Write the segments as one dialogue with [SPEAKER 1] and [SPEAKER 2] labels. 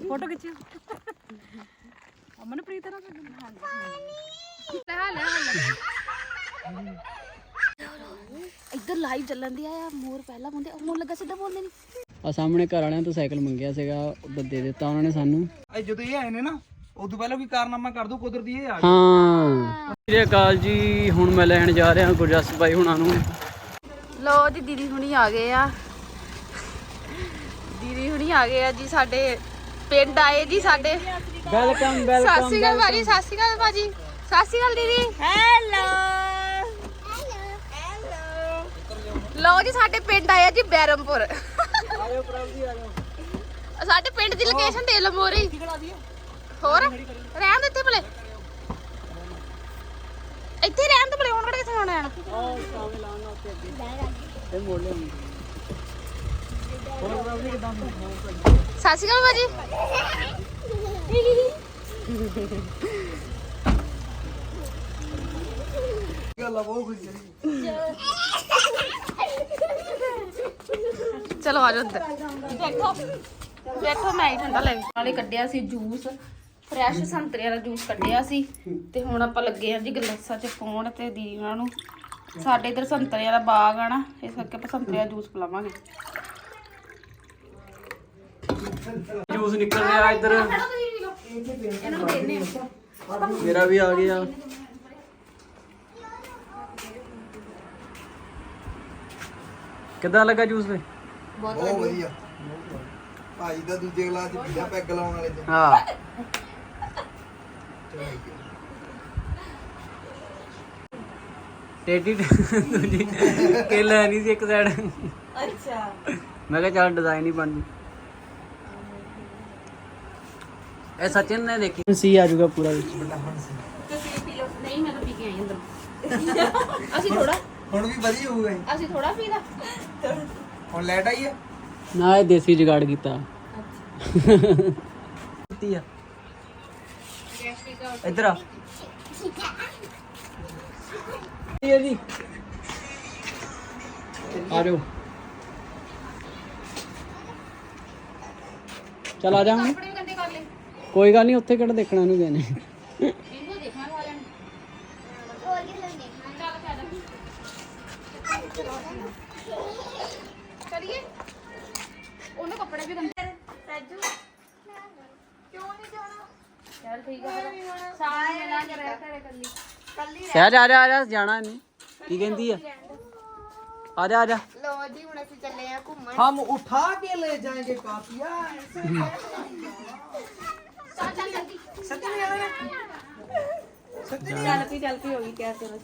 [SPEAKER 1] Photo खिंचियो Amanpreet ना इधर live ਚੱਲਣ ਦੀ ਆ ਮੋਰ ਪਹਿਲਾਂ ਬੰਦੇ ਹੁਣ ਲੱਗਾ ਸਿੱਧਾ ਬੋਲਦੇ ਨਹੀਂ ਆ ਸਾਹਮਣੇ ਘਰ ਵਾਲਿਆਂ ਤੋਂ ਸਾਈਕਲ ਮੰਗਿਆ ਸੀਗਾ ਉਹ ਦੇ ਦਿੱਤਾ ਉਹਨਾਂ ਨੇ ਸਾਨੂੰ
[SPEAKER 2] ਜਦੋਂ ਇਹ ਆਏ ਨੇ ਨਾ ਉਦੋਂ ਪਹਿਲਾਂ ਵੀ ਕਾਰਨਾਮਾ ਕਰ ਦੋ ਕੁਦਰਤੀ ਇਹ ਆ
[SPEAKER 1] ਹਾਂ ਸ੍ਰੀ ਅਕਾਲ ਜੀ ਹੁਣ ਮੈਂ ਲੈਣ ਜਾ ਰਿਹਾ ਗੁਰਜਸ ਬਾਈ ਹੁਣਾਂ ਨੂੰ ਲੋ ਜੀ ਦੀਦੀ ਹੁਣੀ ਆ ਗਏ ਆ ਜੀ ਸਾਡੇ ਪਿੰਡ ਆਏ ਜੀ ਸਾਡੇ
[SPEAKER 2] ਵੈਲਕਮ
[SPEAKER 1] ਸਤਿ ਸ਼੍ਰੀ ਅਕਾਲ ਭਾਜੀ ਸਤਿ ਸ਼੍ਰੀ ਅਕਾਲ ਭਾਜੀ ਸਤਿ ਸ਼੍ਰੀ ਅਕਾਲ ਦੀਦੀ ਹੈਲੋ ਲਓ ਜੀ ਸਾਡੇ ਪਿੰਡ ਆਇਆ ਜੀ ਬੈਰਮਪੁਰ
[SPEAKER 2] ਆਇਓ ਪ੍ਰਭ ਜੀ ਆਇਓ
[SPEAKER 1] ਸਾਡੇ ਪਿੰਡ ਦੀ ਲੋਕੇਸ਼ਨ ਦੇ ਲਓ ਮੋਰੀ ਹੋਰ ਰਹਿਣ ਦੇ ਇੱਥੇ ਭਲੇ ਇੱਥੇ ਰਹਿਣ ਦੇ ਭਲੇ ਹੁਣ ਕਿਹੜੇ ਕਿੱਥੇ ਆਉਣਾ ਹੈ ਉਹ ਸਾਵੇਂ ਲਾਉਣ ਨਾਲ ਉੱਤੇ ਅੱਗੇ ਇਹ ਮੋੜ ਲਿਆਉਂਗੀ ਹੋਰ ਪ੍ਰਭ ਜੀ ਕਿਦਾਂ ਸਤਿ ਸ਼੍ਰੀ ਅਕਾਲ ਭਾਜੀ
[SPEAKER 2] ਗੱਲਾਂ ਬਹੁਤ ਖੁਸ਼ ਚਲੀ
[SPEAKER 1] ਚਲੋ ਆ ਜਾਓ ਅੰਦਰ ਬੈਠੋ ਮੈਂ ਹੀ ਠੰਡਾ ਲੈ ਨਾਲੇ ਕੱਢਿਆ ਸੀ ਜੂਸ ਫਰੈਸ਼ ਸੰਤਰਿਆਂ ਦਾ ਜੂਸ ਕੱਢਿਆ ਸੀ ਤੇ ਹੁਣ ਆਪਾਂ ਲੱਗੇ ਆ ਜੀ ਗਲਾਸਾਂ 'ਚ ਪਾਉਣ ਤੇ ਦੀਦੀ ਉਹਨਾਂ ਨੂੰ ਸਾਡੇ ਇਧਰ ਸੰਤਰਿਆਂ ਦਾ ਬਾਗ ਆ ਨਾ ਇਸ ਕਰਕੇ ਆਪਾਂ ਸੰਤਰਿਆਂ ਦਾ ਜੂਸ ਪਿਲਾਵਾਂਗੇ ਜੂਸ ਨਿਕਲ ਰਿਹਾ ਇੱਧਰ ਇਹਨਾਂ ਨੂੰ ਦੇਣੇ ਆ ਮੇਰਾ ਵੀ ਆ ਗਿਆ ਕਿੱਦਾਂ ਲੱਗਾ ਜੂਸ ਵੇ
[SPEAKER 2] ਬਹੁਤ ਵਧੀਆ ਭਾਜੀ ਦਾ ਦੂਜੇ ਗਲਾਸ ਚ ਪੀਆ ਪੈਗ ਲਾਉਣ ਵਾਲੇ ਚ
[SPEAKER 1] ਹਾਂ ਟੇਡੀ ਦੂਜੀ ਕੇਲਾ ਨਹੀਂ ਸੀ ਇੱਕ ਸਾਈਡ ਅੱਛਾ ਮੈਂ ਕਿਹਾ ਚੱਲ ਡਿਜ਼ਾਈਨ ਹੀ ਬਣ ਜੂ ਇਹ ਸਚਿਨ ਨੇ ਦੇਖੀ ਸੀ ਆ ਜਾਊਗਾ ਪੂਰਾ ਵਿੱਚ ਤੁਸੀਂ ਪੀ ਲਓ ਨਹੀਂ ਮੈਂ ਤਾਂ ਪੀ ਕੇ ਆਈ ਅੰਦਰ ਅਸੀਂ ਥੋੜਾ
[SPEAKER 2] ਹੁਣ ਵੀ ਵਧੀਆ ਹੋਊਗਾ
[SPEAKER 1] ਅਸੀਂ ਥੋੜਾ ਪੀਦਾ
[SPEAKER 2] ਹੁਣ ਲੈਟ ਆਈ ਹੈ
[SPEAKER 1] ਨਾ ਇਹ ਦੇਸੀ ਜੁਗਾੜ ਕੀਤਾ
[SPEAKER 2] ਕੀਤੀ ਆ ਇੱਧਰ ਆ ਇਹ ਜੀ
[SPEAKER 1] ਆ ਜਾਓ ਚਲ ਆ ਜਾ ਹੁਣ ਕੋਈ ਗੱਲ ਨਹੀਂ ਉੱਥੇ ਕਿਹੜਾ ਦੇਖਣਾ ਨੂੰ ਗਏ ਨੇ ਇਹਨੂੰ ਦੇਖਣਾ ਵਾਲਿਆਂ ਨੇ ਹੋਰ ਕੀ ਦੇਖਣਾ ਚੱਲ ਚਲੀਏ ਉਹਨੂੰ ਕੱਪੜੇ ਵੀ ਗੰਦੇ ਰਾਜੂ ਕਿਉਂ ਨਹੀਂ ਜਾਣਾ ਚੱਲ ਠੀਕ ਆ ਸਾਰਾ ਮਿਲਾ ਕੇ ਰਹਿ ਘਰੇ ਕੱਲੀ ਸਹਿਜ ਆ ਜਾ ਜਾਣਾ ਨਹੀਂ ਕੀ ਕਹਿੰਦੀ ਆ ਆ ਜਾ
[SPEAKER 3] लो जी हुन असि चले हैं घूमन
[SPEAKER 2] हम उठा के ले जाएंगे काफिया सच्ची में आया सच्ची
[SPEAKER 3] चलती होगी क्या चलो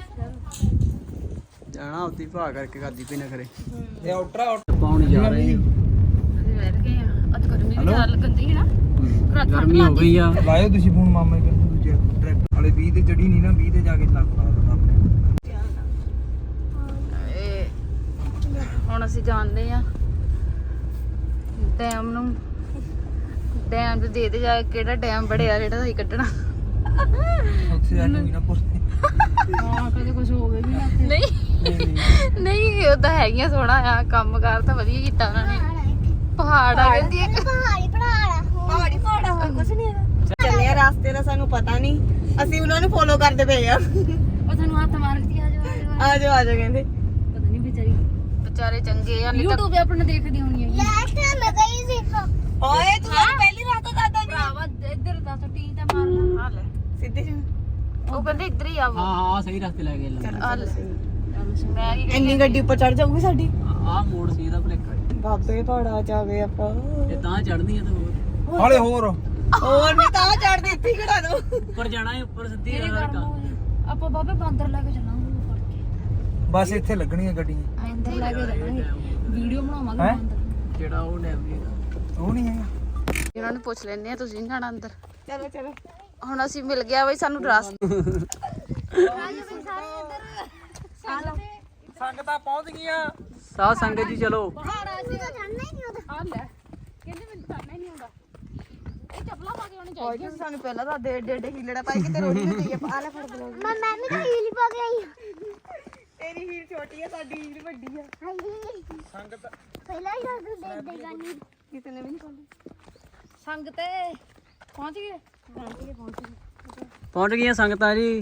[SPEAKER 1] ਜਾਣਾ ਉੱਤੀ ਭਾ ਕਰਕੇ ਕਰਦੀ ਪਈ ਨਾ ਕਰੇ
[SPEAKER 2] ये आउटरा
[SPEAKER 1] ਪਾਉਣ ਜਾ ਰਹੇ ਹਾਂ ਅਸੀਂ ਬੈਠ ਗਏ ਆ ਅੱਜ ਗਰਮੀ ਵੀ ਜ਼ਿਆਦਾ ਲੱਗਦੀ ਹੈ ਨਾ ਗਰਮੀ ਹੋ ਗਈ ਆ
[SPEAKER 2] ਲਾਇਓ ਤੁਸੀਂ ਫੋਨ ਮਾਮੇ ਕੇ ਦੂਜੇ ਟਰੈਕਟਰ ਵਾਲੇ 20 ਤੇ ਚੜੀ ਨਹੀਂ ਨਾ 20 ਤੇ ਜਾ ਕੇ ਲੱਗ ਲਾ ਦਿੰਦਾ ਆਪਣੇ ਹੁਣ
[SPEAKER 1] ਅਸੀਂ ਜਾਂਦੇ ਆ ਡੈਮ ਨੂੰ ਡੈਮ ਤੇ ਦੇ ਜਾ ਕਿਹੜਾ ਡੈਮ ਬੜਿਆ ਜਿਹੜਾ ਅਸੀਂ ਕੱਢਣਾ
[SPEAKER 2] ਉੱਥੇ ਜਾ ਕੇ ਵੀ ਨਾ ਪੁੱਛਦੇ
[SPEAKER 1] ਹਾਂ ਕਦੇ ਕੁਝ ਹੋਵੇ ਵੀ ਨਾ ਨਹੀਂ ਉਹਦਾ ਹੈਗੀਆਂ ਸੋਹਣਾ ਆ ਕੰਮ ਕਾਰ ਤਾਂ ਵਧੀਆ ਕੀਤਾ ਉਹਨਾਂ ਨੇ ਪਹਾੜ ਆ ਕਹਿੰਦੀ ਇੱਕ
[SPEAKER 3] पहाड़ी और कुछ नहीं है चले रास्ते का सानू पता नहीं ਅਸੀਂ ਉਹਨਾਂ ਨੂੰ ਫੋਲੋ ਕਰਦੇ ਪਏ ਆ
[SPEAKER 1] ਉਹ ਤੁਹਾਨੂੰ ਹੱਥ ਮਾਰਦੀ ਆ
[SPEAKER 3] ਆ ਜਾਓ ਕਹਿੰਦੇ
[SPEAKER 1] ਪਤਾ ਨਹੀਂ ਵਿਚਾਰੇ ਚੰਗੇ ਆ YouTube ਤੇ ਆਪਣਾ ਦੇਖਦੀ ਹੋਣੀ ਹੈ
[SPEAKER 3] ਲਾਸਟ ਮੈਂ ਗਈ ਸੀ ਓਏ ਤੂੰ ਪਹਿਲੀ ਰਾਤ ਤੋਂ ਦਾਦਾ ਨਹੀਂ
[SPEAKER 1] ਭਰਾਵਾ ਇੱਧਰ ਦਾ ਟੀ ਤੇ ਮਾਰ ਲਾ ਆ ਲੈ
[SPEAKER 3] ਸਿੱਧੇ
[SPEAKER 1] ਉਹ ਕਹਿੰਦੇ ਇੱਧਰ ਹੀ ਆਵੋ ਹਾਂ ਸਹੀ ਰਸਤੇ ਲੈ ਗਏ ਮੈਂ ਕੀ
[SPEAKER 3] ਇੰਨੀ ਗੱਡੀ ਉੱਪਰ ਚੜ ਜਾਊਗੀ ਸਾਡੀ
[SPEAKER 1] ਆ ਮੋੜ ਸੀ ਇਹਦਾ ਭਲੇਖਾ
[SPEAKER 3] ਬਾਬੇ ਪਹਾੜਾ ਜਾਵੇ ਆਪਾਂ
[SPEAKER 1] ਇਹ ਤਾਂ ਚੜਨੀ ਆ ਤੇ ਹੋਰ
[SPEAKER 2] ਹਾਲੇ ਹੋਰ
[SPEAKER 3] ਨਹੀਂ ਤਾਂ ਚੜਦੇ ਇੱਥੇ ਖੜਾ ਦੋ
[SPEAKER 1] ਉੱਪਰ ਜਾਣਾ ਹੈ ਉੱਪਰ ਸਿੱਧੀ ਆਪਾਂ ਬਾਬੇ ਬਾਂਦਰ ਲੈ ਕੇ ਚੱਲਾਂਗੇ ਫੜ ਕੇ
[SPEAKER 2] ਬਸ ਇੱਥੇ ਲੱਗਣੀਆਂ ਗੱਡੀਆਂ
[SPEAKER 1] ਅੰਦਰ ਲੈ ਕੇ ਜਾਵਾਂਗੇ ਵੀਡੀਓ ਬਣਾਵਾਂਗੇ ਅੰਦਰ ਜਿਹੜਾ ਉਹ ਡੈਮ
[SPEAKER 2] ਉਹ ਨਹੀਂ ਹੈਗਾ
[SPEAKER 1] ਇਹਨਾਂ ਨੂੰ ਪੁੱਛ ਲੈਣੇ ਆ ਤੁਸੀਂ ਜਾਣਾ ਅੰਦਰ
[SPEAKER 3] ਚਲੋ
[SPEAKER 1] ਹੁਣ ਅਸੀਂ ਮਿਲ ਗਿਆ ਬਈ ਸਾਨੂੰ ਰਸਤਾ
[SPEAKER 2] ਸੰਗਤਾਂ ਪਹੁੰਚ ਗਈਆਂ
[SPEAKER 1] ਸਾਹ ਸੰਗਤ ਜੀ ਚਲੋ
[SPEAKER 3] ਪਹਾੜਾ ਸੀ ਤਾਂ ਜਾਣਾ ਹੀ ਨਹੀਂ ਉਹਦਾ
[SPEAKER 1] ਆ ਲੈ ਕਹਿੰਦੇ ਮੈਨੂੰ ਜਾਣਾ ਹੀ ਨਹੀਂ ਆਉਂਦਾ ਇਹ ਚੱਪਲਾਂ ਪਾ ਕੇ ਆਉਣੀ ਚਾਹੀਦੀ
[SPEAKER 3] ਕੋਈ ਸਾਨੂੰ ਪਹਿਲਾਂ ਤਾਂ ਡੇ ਹੀਲੜਾ ਪਾਈ ਕਿਤੇ ਰੋਣੀ ਨਾ ਜਾਈਏ ਆ ਲੈ ਫੜ ਬਲੌਗ ਮੈਂ ਵੀ ਤਾਂ ਹੀਲ ਪਾ ਕੇ ਆਈ ਤੇਰੀ ਹੀਲ ਛੋਟੀ ਆ ਸਾਡੀ ਹੀਲ ਵੱਡੀ ਆ
[SPEAKER 2] ਸੰਗਤ
[SPEAKER 3] ਪਹਿਲਾਂ ਹੀ ਦੱਸ ਦੇ ਦੇਗਾ ਨਹੀਂ ਕਿਸੇ ਨੇ ਵੀ ਨਹੀਂ ਪਾਉਂਦੀ
[SPEAKER 1] ਸੰਗ ਤੇ ਪਹੁੰਚ ਗਏ
[SPEAKER 4] ਪਹੁੰਚ ਗਈਆਂ ਸੰਗਤਾਂ ਜੀ।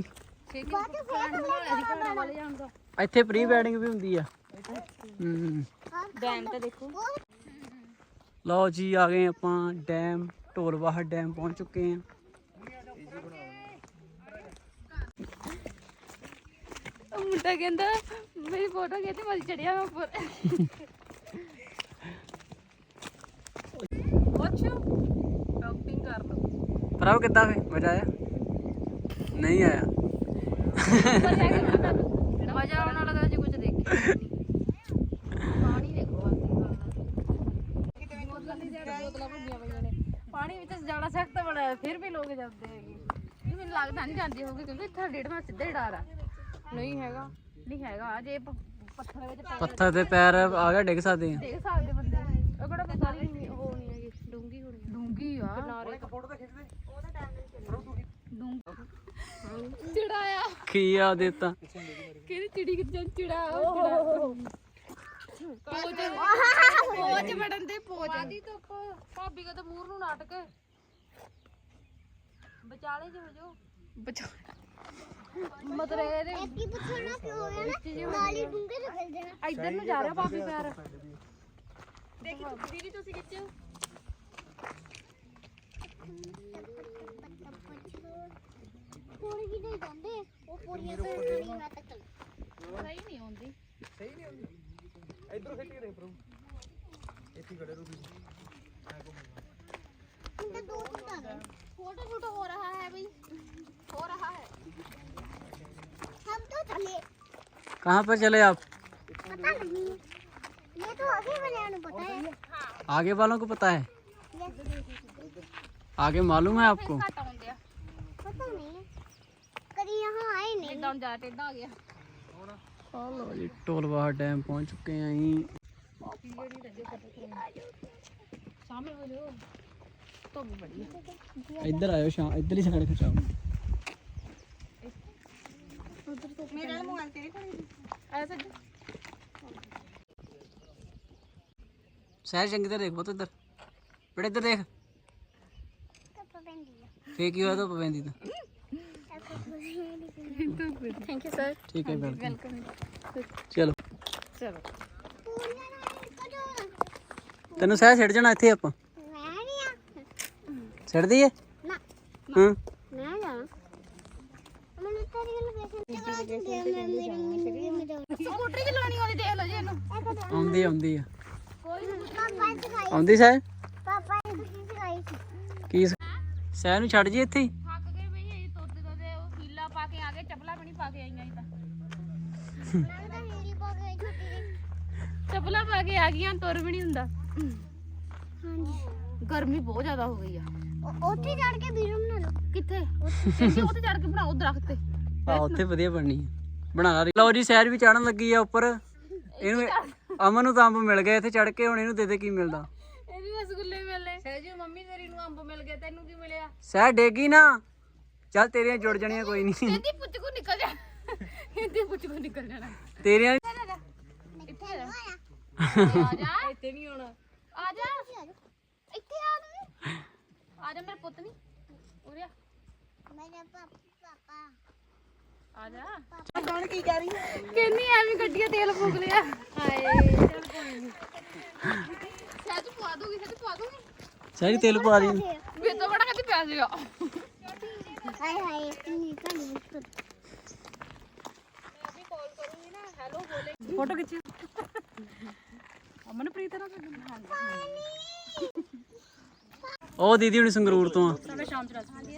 [SPEAKER 1] ਵਾਲੇ ਜਾਣ ਦਾ
[SPEAKER 4] ਇੱਥੇ ਪ੍ਰੀ ਵੈਡਿੰਗ ਵੀ ਹੁੰਦੀ ਆ।
[SPEAKER 1] ਡੈਮ ਤੇ ਦੇਖੋ।
[SPEAKER 4] ਲਓ ਜੀ ਆ ਗਏ ਆਪਾਂ ਡੈਮ, ਢੋਲਵਾਹਰ ਡੈਮ ਪਹੁੰਚ ਚੁੱਕੇ ਆ।
[SPEAKER 1] ਮੁੰਡਾ ਕਹਿੰਦਾ ਮੇਰੀ ਫੋਟੋ ਖਿੱਚ ਮੈਂ ਚੜਿਆ ਮੈਂ ਉੱਪਰ। ਸ਼ਾਪਿੰਗ ਕਰ ਲਓ।
[SPEAKER 4] ਭਰਾਓ ਕਿੱਦਾਂ ਫੇ ਮਜ਼ਾ ਆਇਆ? ਨਹੀਂ ਆਇਆ।
[SPEAKER 1] ਮਜ਼ਾ ਆਉਣ ਵਾਲਾ ਤਾਂ ਜੀ ਕੁਝ ਦੇਖਿਆ ਪਾਣੀ ਦੇਖੋ ਬੋਤਲਾਂ ਭੰਨੀਆਂ ਪਈਆਂ ਨੇ। ਪਾਣੀ ਵਿੱਚ ਜਾਣਾ ਸਖਤ ਬੜਾ ਫਿਰ ਵੀ ਲੋਕ ਜਾਂਦੇ ਹੈਗੇ। ਇਹ ਮੈਨੂੰ ਲੱਗਦਾ ਨਹੀਂ ਜਾਂਦੇ ਹੋਗੇ ਕਿਉਂਕਿ ਇੱਥੇ ਡੇਢਵਾਂ ਸਿੱਧਾ ਹੀ ਡਰ ਆ। ਨਹੀਂ ਹੈਗਾ ਜੇ ਪੱਥਰ ਵਿੱਚ
[SPEAKER 4] ਪੱਥਰ ਤੇ ਪੈਰ ਆ ਗਿਆ ਡਿੱਗ ਸਕਦੇ ਆ।
[SPEAKER 1] ਦੇਖ ਸਕਦੇ ਬੰਦੇ ਉਹ ਕਿਹੜਾ ਕੋਈ ਸਾਰੀ ਉਹ ਨਹੀਂ ਹੈਗੀ ਡੂੰਗੀ ਆ ਕਿਨਾਰੇ ਫੋਟੋ ਤਾਂ ਖਿੱਚ ਦੇ ਉਹਦਾ ਟਾਈਮ ਚਿੜਾਇਆ
[SPEAKER 4] ਕੀ ਆ ਦਿੱਤਾ
[SPEAKER 1] ਕਿਹੜੀ ਚਿੜੀ ਕਿੱਥੇ ਚਿੜਾ ਪੋਚ ਵੜਨ ਦੇ ਪੋਚ ਆਦੀ ਧੁੱਪ ਭਾਬੀ ਕਦੇ ਮੂਰ ਨੂੰ ਨਾਟਕ ਵਿਚਾਲੇ ਜੋ ਜੋ ਮਤਲਬ ਇਹਦੇ
[SPEAKER 3] ਕੀ ਪੁੱਛਣਾ ਕਿਉਂ ਹੋ ਗਿਆ ਨਾ ਨਾਲੀ ਡੂੰਘੇ ਚ ਖਿਲ ਜਾਣਾ।
[SPEAKER 1] ਇੱਧਰ ਨੂੰ ਜਾ ਰਿਹਾ ਭਾਬੀ ਪੈਰ
[SPEAKER 3] ਦੇਖੀ ਦੀਦੀ ਤੁਸੀਂ ਖਿੱਚੋ। ਪੂਰੀ ਵੀ ਨਹੀਂ ਜਾਂਦੇ ਉਹ ਪੂਰੀਆਂ ਤੋਂ ਨਹੀਂ ਮੈਂ ਤੱਕ
[SPEAKER 1] ਸਹੀ ਨਹੀਂ ਆਉਂਦੀ
[SPEAKER 2] ਇਧਰੋਂ ਖਿੱਚ ਕੇ ਦੇਖ ਪ੍ਰਭੂ ਇੱਥੇ ਖੜੇ ਰਹੋ ਤੁਸੀਂ।
[SPEAKER 3] इनका दो दिन आ गए फोटो शूट हो रहा है भाई हो रहा है हम तो चले
[SPEAKER 4] कहाँ पर चले आप?
[SPEAKER 3] पता नहीं ये तो आगे वाले को पता है
[SPEAKER 4] आगे वालों को पता है? आगे मालूम है आपको?
[SPEAKER 1] ਘੱਟ ਆਉਂਦੇ ਆ
[SPEAKER 3] पता नहीं कभी यहाँ आए नहीं
[SPEAKER 1] ਇਦਾਂ ਜਾ ਟੇਡਾ ਆ ਗਿਆ
[SPEAKER 4] ਲਓ ਜੀ ਢੋਲਵਾਹਰ ਡੈਮ ਪਹੁੰਚ ਚੁੱਕੇ ਆਂ ਜੀ।
[SPEAKER 1] ਸਾਹਮਣੇ ਹੋ ਜਾਓ ਧੁੱਪ ਬੜੀ ਹੈ
[SPEAKER 4] ਇੱਧਰ ਆਇਓ ਇੱਧਰ ਹੀ ਸਾਈਡ ਖਿਚਾਓ।
[SPEAKER 3] मेरा मोबाइल तेरे को
[SPEAKER 1] ਆਇਆ ਸੱਜ
[SPEAKER 4] ਸਹਿਜ ਚੰਗੀ ਤਰ੍ਹਾਂ ਦੇਖ ਬਹੁਤ ਇੱਧਰ ਬੜੇ ਇੱਧਰ ਦੇਖ ਫੇਰ ਕੀ ਹੋਇਆ ਧੁੱਪ ਪੈਂਦੀ ਤਾਂ।
[SPEAKER 1] ਥੈਂਕ ਯੂ ਸਰ
[SPEAKER 4] ਠੀਕ ਹੈ ਵੈਲਕਮ।
[SPEAKER 1] ਵੈਲਕਮ
[SPEAKER 4] ਚਲੋ
[SPEAKER 1] ਚਲੋ
[SPEAKER 4] ਤੈਨੂੰ ਸਹਿਜ ਛੱਡ ਜਾਣਾ ਇੱਥੇ ਆਪਾਂ ਛੱਡ ਦਈਏ?
[SPEAKER 3] ਨਾ
[SPEAKER 4] ਹਾਂ
[SPEAKER 3] मैं जाना मैंने तेरी लोकेशन
[SPEAKER 1] ਸਕੂਟਰੀ ਚਲਾਉਣੀ ਆਉਂਦੀ ਦੇਖ ਲਓ ਜੀ ਇਹਨੂੰ
[SPEAKER 4] ਆਉਂਦੀ ਆ
[SPEAKER 3] पापा ने सिखाई
[SPEAKER 4] ਆਉਂਦੀ ਸਹਿਜ
[SPEAKER 3] पापा ने सिखाई थी
[SPEAKER 4] ਕੀ ਸਹਿਜ ਨੂੰ ਛੱਡ ਜੀ ਇੱਥੇ ਹੀ।
[SPEAKER 1] ਥੱਕ ਗਏ ਬਈ ਇਹ ਤੋਤੇ ਤੋਤੇ ਉਹ ਹੀਲਾ ਪਾ ਕੇ ਆ ਗਏ ਚੱਪਲਾਂ ਵੀ ਨਹੀਂ ਪਾ ਕੇ ਆਈਆਂ ਇਹ ਤਾਂ
[SPEAKER 3] मैं तो मेरी पा गई छोटी
[SPEAKER 1] ਚੱਪਲਾਂ ਪਾ ਕੇ ਆ ਗਈਆਂ ਤੁਰ ਵੀ ਨਹੀਂ ਹੁੰਦਾ
[SPEAKER 3] हां जी
[SPEAKER 1] ਗਰਮੀ ਬਹੁਤ ਜ਼ਿਆਦਾ ਹੋ ਗਈ ਆ
[SPEAKER 3] ਉੱਥੇ ਚੜ ਕੇ ਵੀਡੀਓ ਬਣਾ ਲਓ
[SPEAKER 1] ਕਿੱਥੇ ਉੱਥੇ ਚੜ ਕੇ ਬਣਾਓ ਦਰਖਤ ਤੇ
[SPEAKER 4] ਆ ਉੱਥੇ ਵਧੀਆ ਬਣਨੀ ਆ ਬਣਾ ਰਹੀ। ਲਓ ਜੀ ਸਹਿਜ ਵੀ ਚੜਨ ਲੱਗੀ ਆ ਉੱਪਰ। ਇਹਨੂੰ ਅਮਨ ਨੂੰ ਤਾਂ ਅੰਬ ਮਿਲ ਗਿਆ ਇੱਥੇ ਚੜ ਕੇ, ਹੁਣ ਇਹਨੂੰ ਦੇ ਦੇ ਕੀ ਮਿਲਦਾ।
[SPEAKER 1] ਇਹਦੀ ਰਸਗੁੱਲੇ ਮਿਲੇ ਸਹਿਜੂ ਮੰਮੀ ਤੇਰੀ ਨੂੰ ਅੰਬ ਮਿਲ ਗਿਆ ਤੈਨੂੰ ਕੀ ਮਿਲਿਆ
[SPEAKER 4] ਸਹਿਜ ਡੇਗੀ ਨਾ ਚੱਲ ਤੇਰੀਆਂ ਜੁੜ ਜਾਣੀਆਂ ਕੋਈ ਨਹੀਂ।
[SPEAKER 1] ਇਹਦੀ ਪੁੱਛ ਕੋ ਨਿਕਲ ਜਾ ਇਹਦੀ ਪੁੱਛ ਕੋ ਨਿਕਲ ਜਾਣਾ
[SPEAKER 4] ਤੇਰੀਆਂ
[SPEAKER 1] ਇੱਥੇ ਆ ਜਾ ਇੱਥੇ ਨਹੀਂ ਆਉਣਾ ਆ ਜਾ ਇੱਥੇ ਆ ਤੂੰ ਆ ਜਾ ਮੇਰੇ ਪੁੱਤ ਨਹੀਂ ਉਰੇ ਆ
[SPEAKER 3] ਮੇਰੇ ਪਾਪਾ
[SPEAKER 1] ਆ ਜਾ
[SPEAKER 3] ਕੌਣ ਕੀ ਕਹਿ ਰਹੀ ਹੈ
[SPEAKER 1] ਕਹਿੰਨੀ ਐਵੇਂ ਗੱਡੀਆਂ ਤੇਲ ਫੂਕ ਲਿਆ ਹਾਏ ਚੱਲ ਕੋਈ ਨਹੀਂ ਸਹਿਜ ਪਵਾ ਦੂਗੀ
[SPEAKER 4] ਸਹਿਜ ਤੇਲ ਪਾ ਦੀ।
[SPEAKER 1] ਵੀ ਤਾਂ ਬੜਾ ਕਦੀ ਪਿਆ ਸੀਗਾ
[SPEAKER 3] ਹਾਏ ਹਾਏ ਕਿੰਨੀ ਕਾਲੀ
[SPEAKER 1] ਫੋਟੋ ਖਿੱਚੀ ਅਮਨਪ੍ਰੀਤ ਨਾਲ
[SPEAKER 4] ਉਹ ਦੀਦੀ ਹੁਣ ਸੰਗਰੂਰ ਤੋਂ ਆ।
[SPEAKER 1] ਸਾਡੇ ਸ਼ਾਮ ਚ ਰਾਜੀ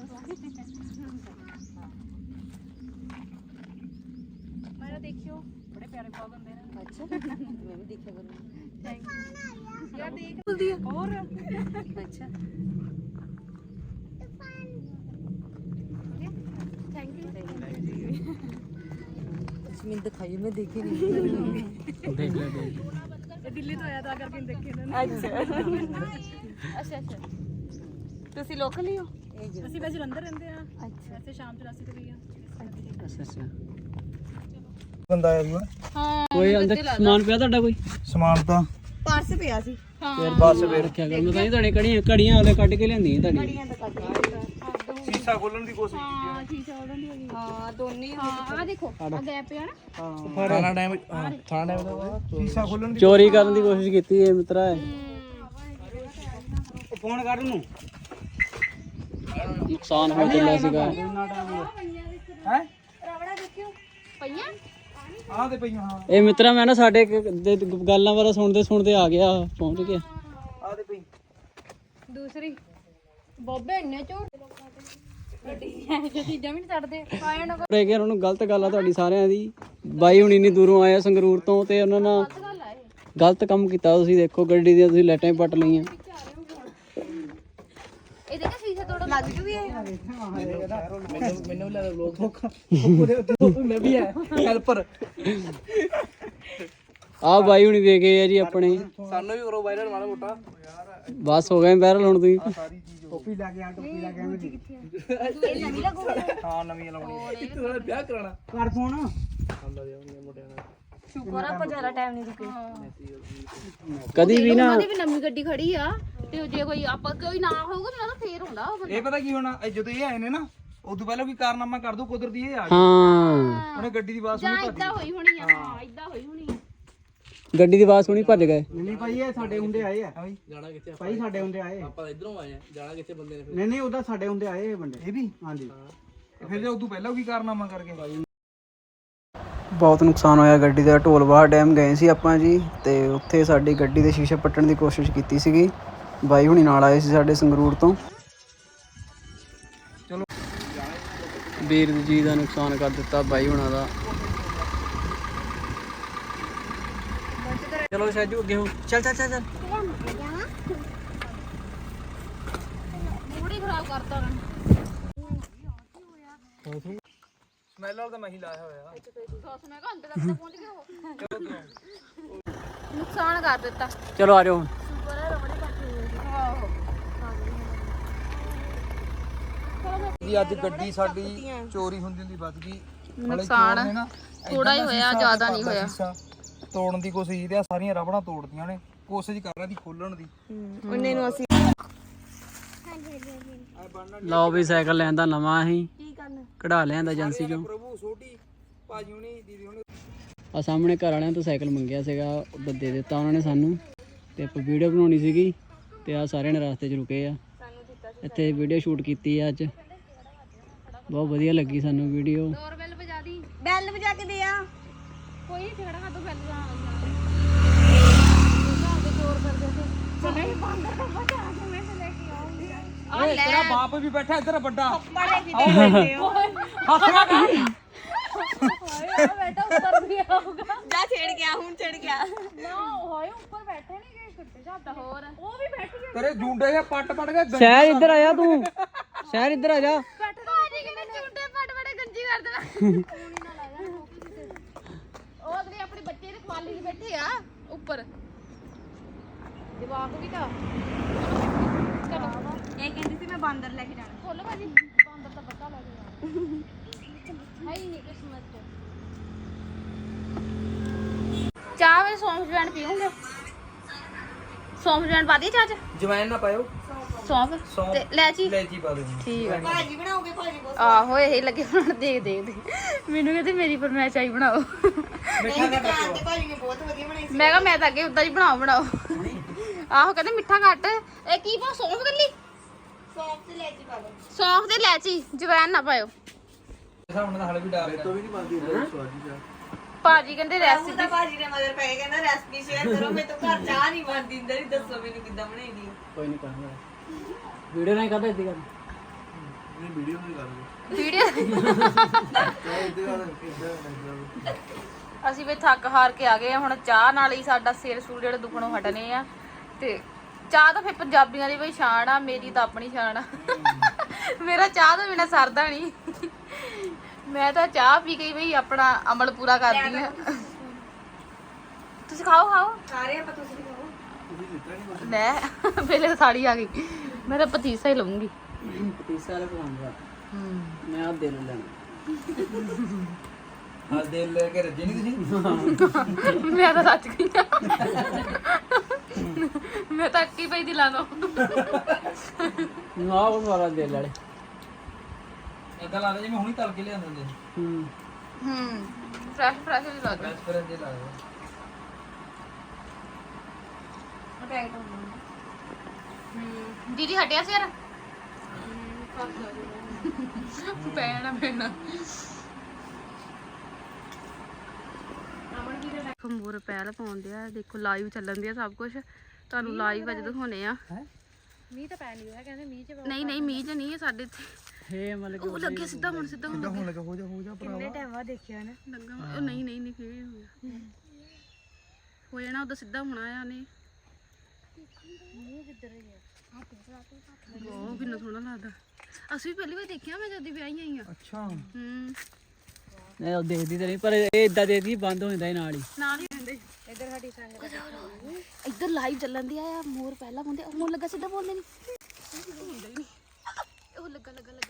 [SPEAKER 1] ਮੇਰਾ ਦੇਖਿਓ ਬੜੇ ਪਿਆਰੇ ਬਲੌਗ ਹੁੰਦੇ ਨੇ। ਅੱਛਾ ਮੈਂ ਵੀ ਦੇਖਿਆ ਕਰੂੰ ਥੈਂਕ ਯੂ ਯਾਰ ਦੇਖ ਬੁਲਦੀ ਹੈ ਹੋਰ ਅੱਛਾ ਥੈਂਕ ਯੂ
[SPEAKER 5] मैं दिखाई मैं देखी नहीं
[SPEAKER 4] ਦੇਖ ਲੈ ਦੇਖ
[SPEAKER 1] ਇਹ ਦਿੱਲੀ ਤੋਂ ਆਇਆ ਤਾਂ ਕਰਕੇ ਦੇਖੇ ਨਾ ਅੱਛਾ ਅੱਛਾ
[SPEAKER 5] ਤੁਸੀਂ ਲੋਕਲ ਹੀ ਹੋ
[SPEAKER 1] ਅਸੀਂ ਵੈਸੇ ਜਲੰਧਰ ਰਹਿੰਦੇ ਆ ਅੱਛਾ ਅਸੀਂ ਸ਼ਾਮ 84 ਤੇ ਗਏ ਆ
[SPEAKER 4] ਅੱਛਾ
[SPEAKER 2] ਬੰਦਾ ਆਇਆ ਸੀ
[SPEAKER 1] ਹਾਂ
[SPEAKER 4] ਕੋਈ ਅੰਦਰ ਸਮਾਨ ਪਿਆ ਤੁਹਾਡਾ ਕੋਈ?
[SPEAKER 2] ਸਮਾਨ ਤਾਂ
[SPEAKER 5] ਪਰਸ ਪਿਆ ਸੀ
[SPEAKER 4] ਫਿਰ ਬਸ ਫੇਰ ਰੱਖਿਆ ਕਰ। ਮੈਂ ਤਾਂ ਹੀ ਤੁਹਾਡੇ ਘੜੀਆਂ ਵਾਲੇ ਕੱਢ ਕੇ ਲਿਆਂਦੀਆਂ ਤੁਹਾਡੀ।
[SPEAKER 2] ਸ਼ੀਸ਼ਾ ਖੋਲਣ ਦੀ ਕੋਸ਼ਿਸ਼ ਕੀਤੀ
[SPEAKER 1] ਹਾਂ ਸ਼ੀਸ਼ਾ ਉਹਨਾਂ ਦੀ ਹੋਈ
[SPEAKER 3] ਹਾਂ ਦੋਨੇ
[SPEAKER 1] ਹਾਂ ਆ ਦੇਖੋ ਆ ਗੈਪ ਪਿਆ ਨਾ
[SPEAKER 2] ਥਾਣਾ ਟਾਈਮ ਦਾ ਸ਼ੀਸ਼ਾ ਖੋਲਣ ਦੀ
[SPEAKER 4] ਚੋਰੀ ਕਰਨ ਦੀ ਕੋਸ਼ਿਸ਼ ਕੀਤੀ ਇਹ ਮਿੱਤਰਾ।
[SPEAKER 2] ਫੋਨ ਕਰ ਨੂੰ
[SPEAKER 4] ਨੁਕਸਾਨ ਹੋ ਚੱਲਿਆ ਸੀਗਾ।
[SPEAKER 2] ਹੈ
[SPEAKER 1] ਰਵੜਾ ਦੇਖਿਓ ਪਈਆਂ
[SPEAKER 2] ਆਹ ਤੇ ਪਈਆਂ ਹਾਂ
[SPEAKER 4] ਇਹ ਮਿੱਤਰਾ ਮੈਂ ਨਾ ਸਾਡੇ ਗੱਲਾਂ ਬਾਰੇ ਸੁਣਦੇ ਆ ਗਿਆ, ਪਹੁੰਚ ਗਿਆ।
[SPEAKER 2] ਆਹ ਤੇ ਪਈ
[SPEAKER 1] ਦੂਸਰੀ ਬੋਬੇ ਇੰਨੇ ਝੂਠ ਗੱਡੀ ਜੋ ਚੀਜ਼ਾਂ ਵੀ ਨਹੀਂ ਛੱਡਦੇ ਆਇਆ ਨਾ
[SPEAKER 4] ਰਹਿ ਗਿਆ ਉਹਨੂੰ ਗਲਤ ਗੱਲ ਆ ਤੁਹਾਡੀ ਸਾਰਿਆਂ ਦੀ। ਬਾਈ ਹੁਣ ਇੰਨੀ ਦੂਰੋਂ ਆਇਆ ਸੰਗਰੂਰ ਤੋਂ ਤੇ ਉਹਨਾਂ ਨਾਲ
[SPEAKER 1] ਗੱਲ ਆ ਇਹ
[SPEAKER 4] ਗਲਤ ਕੰਮ ਕੀਤਾ। ਤੁਸੀਂ ਦੇਖੋ ਗੱਡੀ ਦੀਆਂ ਤੁਸੀਂ ਲਾਈਟਾਂ ਹੀ ਪੱਟ ਲਈਆਂ।
[SPEAKER 1] ਇਹਦੇ ਕਾ ਸ਼ੀਸ਼ਾ ਤੋੜੋ ਲੱਗ ਜੂ ਵੀ ਇਹ
[SPEAKER 2] ਮੈਨੂੰ ਲੱਗਦਾ ਲੋਕ ਮੈਂ ਵੀ ਹੈ ਹੈਲਪਰ
[SPEAKER 4] ਆਹ ਬਾਈ ਹੁਣੀ ਵੇਖ ਗਏ ਆ ਜੀ ਆਪਣੇ।
[SPEAKER 2] ਸਾਨੂੰ ਵੀ ਕਰੋ ਵਾਇਰਲ ਮਾੜਾ ਮੋਟਾ
[SPEAKER 4] ਬਸ ਹੋ ਗਏ ਵਾਇਰਲ ਹੁਣ ਤੁਸੀਂ।
[SPEAKER 2] ਸਾਰੀ ਚੀਜ਼ ਟੋਪੀ ਲਾ ਕੇ ਆ ਟੋਪੀ ਲਾ ਕੇ ਆਵੇਂ ਦੀ
[SPEAKER 1] ਇਹ ਨਵੀਂ ਲੱਗੂ
[SPEAKER 2] ਹਾਂ ਨਵੀਂ ਲਾਉਣੀ ਕਿਤੇ ਨਾਲ ਵਿਆਹ ਕਰਾਣਾ ਕਰ ਫੋਨ
[SPEAKER 3] ਸ਼ੁਕਰ ਆ ਆਪਾਂ ਜ਼ਿਆਦਾ ਟਾਈਮ ਨਹੀਂ ਰੁਕੇ
[SPEAKER 4] ਕਦੀ ਵੀ ਨਾ
[SPEAKER 1] ਉਹਨਾਂ ਦੀ ਵੀ ਨਵੀਂ ਗੱਡੀ ਖੜੀ ਆ ਤੇ ਜੇ ਕੋਈ ਆਪਾਂ ਕੋਈ ਨਾ ਹੋਊਗਾ ਮੈਨੂੰ ਤਾਂ ਫੇਰ ਹੁੰਦਾ ਉਹ
[SPEAKER 2] ਇਹ ਪਤਾ ਕੀ ਹੋਣਾ ਇਹ ਜਦੋਂ ਇਹ ਆਏ ਨੇ ਨਾ ਉਦੋਂ ਪਹਿਲਾਂ ਵੀ ਕਾਰਨਾਮਾ ਕਰ ਦੋ ਕੁਦਰਤੀ ਇਹ ਆ
[SPEAKER 4] ਹਾਂ
[SPEAKER 2] ਉਹਨੇ ਗੱਡੀ ਦੀ ਆਵਾਜ਼
[SPEAKER 1] ਜਾਂ
[SPEAKER 2] ਸੁਣੀ
[SPEAKER 1] ਇਦਾਂ ਹੋਈ ਹੋਣੀ ਆ ਹਾਂ ਇਦਾਂ ਹੋਈ ਹੋਣੀ ਆ
[SPEAKER 4] ਗੱਡੀ ਦੀ ਆਵਾਜ਼ ਸੁਣੀ ਭੱਜ ਗਏ।
[SPEAKER 6] ਨਹੀਂ ਭਾਈ ਇਹ ਸਾਡੇ ਹੁੰਦੇ ਆਏ ਆ
[SPEAKER 2] ਜਾਣਾ ਕਿੱਥੇ
[SPEAKER 6] ਭਾਈ ਸਾਡੇ ਹੁੰਦੇ ਆਏ
[SPEAKER 2] ਆਪਾਂ ਇਧਰੋਂ ਆਏ ਆ ਜਾਣਾ ਕਿੱਥੇ ਬੰਦੇ ਨੇ
[SPEAKER 6] ਨਹੀਂ ਉਹਦਾ ਸਾਡੇ ਹੁੰਦੇ ਆਏ ਇਹ ਬੰਦੇ
[SPEAKER 2] ਇਹ ਵੀ
[SPEAKER 6] ਹਾਂਜੀ।
[SPEAKER 2] ਫਿਰ ਜੇ ਉਦੋਂ ਪਹਿਲਾਂ ਵੀ ਕਾਰਨਾਮਾ ਕਰਕੇ
[SPEAKER 4] ਬਹੁਤ ਨੁਕਸਾਨ ਹੋਇਆ ਗੱਡੀ ਦਾ। ਢੋਲਵਾਹ ਡੈਮ ਗਏ ਸੀ ਆਪਾਂ ਜੀ ਤੇ ਉੱਥੇ ਸਾਡੀ ਗੱਡੀ ਦੇ ਸ਼ੀਸ਼ੇ ਪੱਟਣ ਦੀ ਕੋਸ਼ਿਸ਼ ਕੀਤੀ ਸੀਗੀ। ਬਾਈ ਹੁਣੀ ਨਾਲ ਆਏ ਸੀ ਸਾਡੇ ਸੰਗਰੂਰ ਤੋਂ।
[SPEAKER 2] ਚਲੋ
[SPEAKER 4] ਵੀਰ ਜੀ ਦਾ ਨੁਕਸਾਨ ਕਰ ਦਿੱਤਾ ਬਾਈ ਹੁਣਾਂ ਦਾ। ਚਲੋ ਸੈਜੂ ਅੱਗੇ ਹੋ। ਚੱਲ ਚੱਲ ਚੱਲ ਚੱਲ।
[SPEAKER 1] ਮੂਡ ਹੀ ਖਰਾਬ ਕਰਤਾ ਉਹਨਾਂ
[SPEAKER 2] ਸਮੈਲ ਵਾਲਾ ਤਾਂ ਮੈਂ ਹੀ ਲਾਇਆ ਹੋਇਆ
[SPEAKER 1] ਸੌਸ ਮੈਂ ਘੰਟੇ ਤੱਕ ਤਾਂ ਪਹੁੰਚ ਗਿਆ ਉਹ ਨੁਕਸਾਨ ਕਰ ਦਿੱਤਾ
[SPEAKER 4] ਚਲੋ ਆ ਜਾਓ ਹੁਣ।
[SPEAKER 2] ਜੀ ਅੱਜ ਗੱਡੀ ਸਾਡੀ ਚੋਰੀ ਹੁੰਦੀ ਬਚ ਗਈ।
[SPEAKER 1] ਨੁਕਸਾਨ ਥੋੜਾ ਹੀ ਹੋਇਆ ਜ਼ਿਆਦਾ ਨਹੀਂ ਹੋਇਆ।
[SPEAKER 2] ਤੋੜਨ ਦੀ ਕੋਸ਼ਿਸ਼ ਤੇ ਸਾਰੀਆਂ ਰਬੜਾਂ ਤੋੜਦੀਆਂ ਨੇ। ਕੋਸ਼ਿਸ਼ ਕਰ ਰਿਹਾ ਦੀ ਖੋਲਣ ਦੀ
[SPEAKER 3] ਉਹਨੇ ਨੂੰ ਅਸੀਂ
[SPEAKER 4] ਲਓ ਵੀ ਸਾਈਕਲ ਲੈਂਦਾ ਨਵਾਂ ਹੀ
[SPEAKER 3] ਕੀ ਕਰਨਾ
[SPEAKER 4] ਕਢਾ ਲਿਆਂਦਾ ਏਜੰਸੀ ਚੋਂ।
[SPEAKER 2] ਪ੍ਰਭੂ ਛੋਟੀ ਭਾਜੀ ਹੁਣੀ ਦੀਦੀ ਹੁਣੀ
[SPEAKER 4] ਆ ਸਾਹਮਣੇ ਘਰ ਵਾਲਿਆਂ ਤੋਂ ਸਾਈਕਲ ਮੰਗਿਆ ਸੀਗਾ, ਉਹ ਦੇ ਦਿੱਤਾ ਉਹਨਾਂ ਨੇ ਸਾਨੂੰ। ਤੇ ਆਪਾਂ ਵੀਡੀਓ ਬਣਾਉਣੀ ਸੀਗੀ ਤੇ ਆ ਸਾਰਿਆਂ ਨੇ ਰਸਤੇ 'ਚ ਰੁਕੇ ਆ। ਇੱਥੇ ਵੀਡੀਓ ਸ਼ੂਟ ਕੀਤੀ ਆ ਅੱਜ। ਬਹੁਤ ਵਧੀਆ ਲੱਗੀ ਸਾਨੂੰ ਵੀਡੀਓ।
[SPEAKER 1] ਡੋਰਬੈਲ ਵਜਾ ਦੀ
[SPEAKER 3] ਬੈਲ ਵਜਾ ਕੇ ਦੇ ਆ
[SPEAKER 1] ਕੋਈ ਨਹੀਂ ਝਗੜਾ ਕਰ ਦੋ ਬੈਲ ਵਜਾ
[SPEAKER 2] ਓਏ ਤੇਰਾ ਬਾਪ ਵੀ ਬੈਠਾ ਇੱਧਰ ਵੱਡਾ
[SPEAKER 3] ਬੜੇ ਕਿਤੇ ਬੈਠੇ ਹੋ
[SPEAKER 2] ਹੱਸਣਾ ਕਰ
[SPEAKER 1] ਬੈਠਾ ਉੱਪਰ ਵੀ ਆਊਗਾ
[SPEAKER 3] ਜਾ ਛੇੜ ਗਿਆ ਹੁਣ ਛੇੜ ਗਿਆ
[SPEAKER 1] ਨਾ ਹੋਏ ਉੱਪਰ ਬੈਠੇ ਨਹੀਂ ਗਏ ਕਿੱਥੇ ਜਾਂਦਾ ਹੋਰ ਉਹ ਵੀ ਬੈਠ ਗਿਆ
[SPEAKER 2] ਤੇਰੇ ਜੂੰਡੇ ਜੇ ਪੱਟ ਕੇ
[SPEAKER 4] ਸ਼ਹਿਰ ਇੱਧਰ ਆ ਜਾ ਤੂੰ। ਸ਼ਹਿਰ ਇੱਧਰ ਆ ਜਾ।
[SPEAKER 1] ਭਾਜੀ ਕਿਨੇ ਚੁੰਡੇ ਫਟ ਫੜੇ ਗੰਜੀ ਕਰ ਦੇਣਾ ਉਹ ਅਗਲੇ ਆਪਣੇ ਬੱਚੇ ਦੇ ਖਵਾਲੀ ਦੇ ਬੈਠੇ ਆ ਉੱਪਰ ਜਵਾਬ ਵੀ ਤਾਂ ਚਲੋ
[SPEAKER 3] ਇਹ ਕਹਿੰਦੀ ਸੀ ਮੈਂ ਬਾਂਦਰ ਲੈ ਕੇ ਜਾਣਾ
[SPEAKER 1] ਖੋਲੋ ਭਾਜੀ ਬਾਂਦਰ ਤਾਂ ਪਤਾ ਲੱਗ ਗਿਆ ਹੈ ਹੀ ਨਹੀਂ ਕਿਸਮਤ ਚ ਚਾਹ ਵਿੱਚ ਸੌਂਫ ਜਵੈਣ ਪੀਉਂਗੇ ਸੌਂਫ ਜਵੈਣ ਪਾ ਦੀ ਚਾਹ ਚ
[SPEAKER 2] ਜਵੈਨ ਨਾ ਪਾਇਓ
[SPEAKER 1] ਸੌਂਫ ਤੇ ਲੈਚੀ
[SPEAKER 2] ਲੈਚੀ ਪਾ ਦੇ
[SPEAKER 1] ਠੀਕ ਆ
[SPEAKER 3] ਭਾਜੀ ਬਣਾਓਗੇ ਭਾਜੀ ਬਹੁਤ
[SPEAKER 1] ਆਹੋ ਇਹ ਲੱਗੇ ਬਣਾਉਣ ਦੇ ਮੈਨੂੰ ਕਹਿੰਦੇ ਮੇਰੀ ਫਰਮਾਇਸ਼ ਆਈ ਬਣਾਓ
[SPEAKER 2] ਮਿੱਠਾ ਘੱਟ ਰੱਖੋ
[SPEAKER 3] ਤੇ ਭਾਜੀ ਨੇ ਬਹੁਤ ਵਧੀਆ ਬਣਾਈ
[SPEAKER 1] ਮੈਂ ਕਿਹਾ ਮੈਂ ਤਾਂ ਅੱਗੇ ਉਦਾਂ ਹੀ ਬਣਾਓ ਆਹੋ ਕਹਿੰਦੇ ਮਿੱਠਾ ਘੱਟ ਇਹ ਕੀ ਪਾ ਸੌਂਫ ਕੱਲੀ
[SPEAKER 3] ਸੌਂਫ ਤੇ ਲੈਚੀ ਪਾ ਲਓ
[SPEAKER 1] ਸੌਂਫ ਤੇ ਲੈਚੀ ਜਵੈਣ ਨਾ ਪਾਇਓ
[SPEAKER 2] ਹੁਣ ਤਾਂ ਹਲੇ ਵੀ ਡਰ ਤੋਂ ਵੀ ਨਹੀਂ ਪਾਉਂਦੀ
[SPEAKER 1] ਭਾਜੀ ਕਹਿੰਦੇ ਰੈਸਿਪੀ
[SPEAKER 3] ਤਾਂ ਭਾਜੀ ਨੇ ਮਗਰ ਪੈ ਕਹਿੰਦਾ ਰੈਸਪੀ ਸ਼ੇਅਰ ਕਰੋ ਮੈਂ ਤਾਂ ਘਰ ਚਾਹ ਨਹੀਂ ਬਣਦੀ ਇੰਦਰ ਹੀ ਦੱਸੋ ਮੈਨੂੰ ਕਿੱਦਾਂ ਬਣਾਈਦੀ
[SPEAKER 4] ਕੋਈ ਨਹੀਂ ਕਰਨਾ ਵੀਡੀਓ ਨਹੀਂ ਕਰਦਾ ਇੱਦੀ ਕਰ।
[SPEAKER 1] ਵੀਡੀਓ ਅਸੀਂ ਵੀ ਥੱਕ ਹਾਰ ਕੇ ਆ ਗਏ ਆ ਹੁਣ ਚਾਹ ਨਾਲ ਹੀ ਸਾਡਾ ਸਿਰ ਸੂਰ ਜਿਹੜੇ ਦੁਖਣੋਂ ਹਟਨੇ ਆ ਤੇ ਚਾਹ ਤਾਂ ਫਿਰ ਪੰਜਾਬੀਆਂ ਦੀ ਬਈ ਸ਼ਾਨ ਆ ਮੇਰੀ ਤਾਂ ਆਪਣੀ ਸ਼ਾਨ ਆ ਮੇਰਾ ਚਾਹ ਤੋਂ ਬਿਨਾ ਸਰਦਾ ਨਹੀਂ ਮੈਂ ਤਾਂ ਚਾਹ ਪੀ ਕੇ ਬਈ ਆਪਣਾ ਅਮਲ ਪੂਰਾ ਕਰਦੀ ਆ ਤੁਸੀਂ ਖਾਓ
[SPEAKER 3] ਸਾਰੇ ਆਪਾਂ ਤੁਸੀਂ ਖਾਓ
[SPEAKER 1] ਲੈ ਪਹਿਲੇ ਸਾੜੀ ਆ ਗਈ ਮੈਂ ਤਾਂ ਪਤੀਸਾ ਹੀ ਲਵਾਂਗੀ
[SPEAKER 4] ਪਤੀਸਾ ਵਾਲਾ ਪਸੰਦ ਆ। ਮੈਂ ਆ ਦਿਲ ਲੈਣਾ।
[SPEAKER 2] ਹਾਂ ਦਿਲ ਲੈ ਕੇ ਰੱਜੇ ਨਹੀਂ ਤੁਸੀਂ
[SPEAKER 1] ਮੈਂ ਤਾਂ ਸੱਚ ਗਈ ਮੈਂ ਤਾਂ ਅੱਕੀ ਪਈ ਦਿਲਾਂ ਤੋਂ
[SPEAKER 4] ਨਾ ਉਹ ਵਾਲਾ ਦੇ ਲੈ
[SPEAKER 2] ਇਦਾਂ ਲੱਗਦਾ ਜਿਵੇਂ ਹੁਣੀ ਤਲ ਕੇ ਲਿਆਂਦੇ ਹੁੰਦੇ
[SPEAKER 4] ਹੂੰ
[SPEAKER 1] ਫਰੈਸ਼ ਫਰੈਸ਼ ਹੀ ਲੱਗਦਾ
[SPEAKER 2] ਬੈਸ ਫਿਰ ਜੇ ਲੱਗਦਾ
[SPEAKER 1] ਦੀਦੀ ਹਟਿਆ ਸੀ ਯਾਰ ਪੈਣਾ ਮੋਰ ਪਹਿਲ ਪਾਉਂਦੇ ਆ ਦੇਖੋ ਲਾਈਵ ਚੱਲਣ ਦੀ ਆ ਸਭ ਕੁਝ ਤੁਹਾਨੂੰ ਲਾਈਵ ਅੱਜ ਦਿਖਾਉਣੇ ਆ ਮੀਂਹ ਤਾਂ ਪੈ ਨਹੀਂ ਰਿਹਾ ਕਹਿੰਦੇ ਮੀਂਹ ਚ ਨਹੀਂ ਮੀਂਹ ਚ ਨਹੀਂ ਹੈ ਸਾਡੇ ਇੱਥੇ
[SPEAKER 4] ਇਹ ਮਤਲਬ
[SPEAKER 1] ਉਹ ਲੱਗੇ ਸਿੱਧਾ ਹੁਣ
[SPEAKER 2] ਹੋਣ ਲੱਗਾ ਹੋ ਜਾ ਭਰਾਵਾ
[SPEAKER 3] ਟਾਈਮ ਬਾਅਦ ਦੇਖਿਆ ਨਾ
[SPEAKER 1] ਲੱਗਾ ਉਹ ਨਹੀਂ ਫੇਰ ਹੋ ਜਾਣਾ ਉਹਦਾ ਸਿੱਧਾ ਹੋਣਾ ਆ ਨੇ ਉਹ ਕਿੰਨਾ ਸੋਹਣਾ ਲੱਗਦਾ ਅਸੀਂ ਵੀ ਪਹਿਲੀ ਵਾਰ ਦੇਖਿਆ ਮੈਂ ਜਦ ਦੀ ਵਿਆਹੀ ਆਈ ਆ
[SPEAKER 2] ਅੱਛਾ
[SPEAKER 1] ਹੂੰ
[SPEAKER 4] ਨਹੀਂ ਉਹ ਦੇਖਦੀ ਤਾਂ ਨਹੀਂ ਪਰ ਇਹ ਇਦਾਂ ਦੇਖਦੀ ਬੰਦ ਹੋ ਜਾਂਦਾ ਨਾਲ ਹੀ
[SPEAKER 1] ਨਾਲ ਹੀ ਰਹਿੰਦੇ ਇੱਧਰ ਸਾਡੀ ਸੰਗਤ ਇੱਧਰ ਲਾਈਵ ਚੱਲਣ ਦੀ ਆ ਮੋਰ ਪਹਿਲਾਂ ਬੋਲਦੇ ਹੁਣ ਲੱਗਾ ਸਿੱਧਾ ਬੋਲਦੇ ਨਹੀਂ ਹੁੰਦਾ ਹੀ ਨਹੀਂ ਉਹ ਲੱਗਾ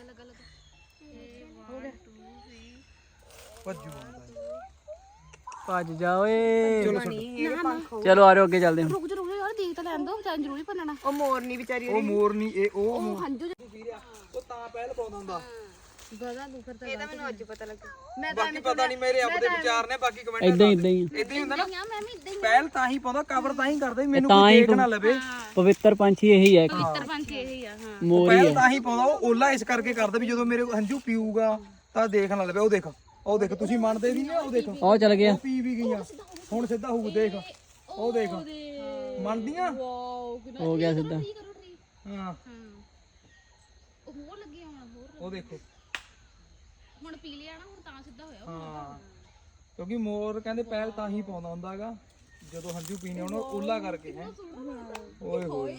[SPEAKER 1] ਹੋ ਗਿਆ
[SPEAKER 2] ਭੱਜੂ
[SPEAKER 4] ਭੱਜ ਜਾ ਓਏ
[SPEAKER 2] ਚਲੋ
[SPEAKER 4] ਚਲੋ ਆ ਰਹੇ ਅੱਗੇ ਚੱਲਦੇ ਹਾਂ
[SPEAKER 1] ਰੁਕ ਜਾ ਯਾਰ ਦੇਖ ਤਾਂ ਲੈਣ ਦੋ ਤਾਂ ਜ਼ਰੂਰੀ ਭੰਨਣਾ
[SPEAKER 3] ਉਹ ਮੋਰਨੀ ਵਿਚਾਰੀ
[SPEAKER 2] ਉਹ ਮੋਰ ਨਹੀਂ ਇਹ
[SPEAKER 1] ਉਹ ਹੰਝੂ
[SPEAKER 2] ਉਹ ਤਾਂ ਪਹਿਲ ਪਾਉਂਦਾ ਹੁੰਦਾ
[SPEAKER 1] ਗਦਾ ਦੁਖਰ ਤਾਂ
[SPEAKER 3] ਇਹ ਤਾਂ ਮੈਨੂੰ ਅੱਜ ਪਤਾ ਲੱਗਾ
[SPEAKER 2] ਬਾਕੀ ਪਤਾ ਨਹੀਂ ਮੇਰੇ ਆਪਦੇ ਵਿਚਾਰ ਨੇ ਬਾਕੀ ਕਮੈਂਟ
[SPEAKER 4] ਇਦਾਂ ਹੀ
[SPEAKER 2] ਇਦਾਂ ਹੀ ਹੁੰਦਾ ਨਾ
[SPEAKER 1] ਮੈਂ ਵੀ ਇਦਾਂ
[SPEAKER 2] ਪਹਿਲ ਤਾਂ ਹੀ ਪਾਉਂਦਾ ਕਵਰ ਤਾਂ ਹੀ ਕਰਦਾ ਮੈਨੂੰ
[SPEAKER 4] ਤਾਂ
[SPEAKER 2] ਕੋਈ
[SPEAKER 4] ਹੀ
[SPEAKER 2] ਦੇਖ ਨਾ ਲਵੇ
[SPEAKER 4] ਪਵਿੱਤਰ ਪੰਛੀ ਇਹੀ ਹੈ
[SPEAKER 1] ਪਵਿੱਤਰ ਪੰਛੀ ਇਹੀ ਆ ਹਾਂ
[SPEAKER 4] ਮੋਰ ਹੀ
[SPEAKER 2] ਪਹਿਲ
[SPEAKER 4] ਹੈ
[SPEAKER 2] ਤਾਂ ਹੀ ਪਾਉਂਦਾ ਉਹ ਓਲਾ ਇਸ ਕਰਕੇ ਕਰਦਾ ਵੀ ਜਦੋਂ ਮੇਰੇ ਹੰਝੂ ਪੀਊਗਾ ਤਾਂ ਦੇਖ ਨਾ ਲਵੇ ਉਹ ਦੇਖ ਤੁਸੀਂ ਮੰਨਦੇ ਨਹੀਂ ਨਾ ਉਹ ਦੇਖ
[SPEAKER 4] ਉਹ ਚੱਲ ਗਿਆ
[SPEAKER 2] ਉਹ ਪੀ ਵੀ ਗਈਆਂ ਹੁਣ ਸਿੱਧਾ ਹੋਊ ਦੇਖ ਉਹ ਦੇਖ ਮੰਨਦੀਆਂ
[SPEAKER 4] ਹੋ ਗਿਆ ਸਿੱਧਾ
[SPEAKER 2] ਹਾਂ
[SPEAKER 1] ਉਹ ਹੋਰ ਲੱਗੇ ਹੁਣ ਹੋਰ
[SPEAKER 2] ਉਹ ਦੇਖੋ
[SPEAKER 1] ਹੁਣ ਪੀ ਲਿਆ ਨਾ ਹੁਣ ਤਾਂ ਸਿੱਧਾ ਹੋਇਆ
[SPEAKER 2] ਹਾਂ ਕਿਉਂਕਿ ਮੋਰ ਕਹਿੰਦੇ ਪਹਿਲ ਤਾਂ ਹੀ ਪਾਉਂਦਾ ਹੁੰਦਾਗਾ ਜਦੋਂ ਹੰਝੂ ਪੀਣੇ ਉਹਨੂੰ ਓਲਾ ਕਰਕੇ ਹੈ ਓਏ ਹੋਏ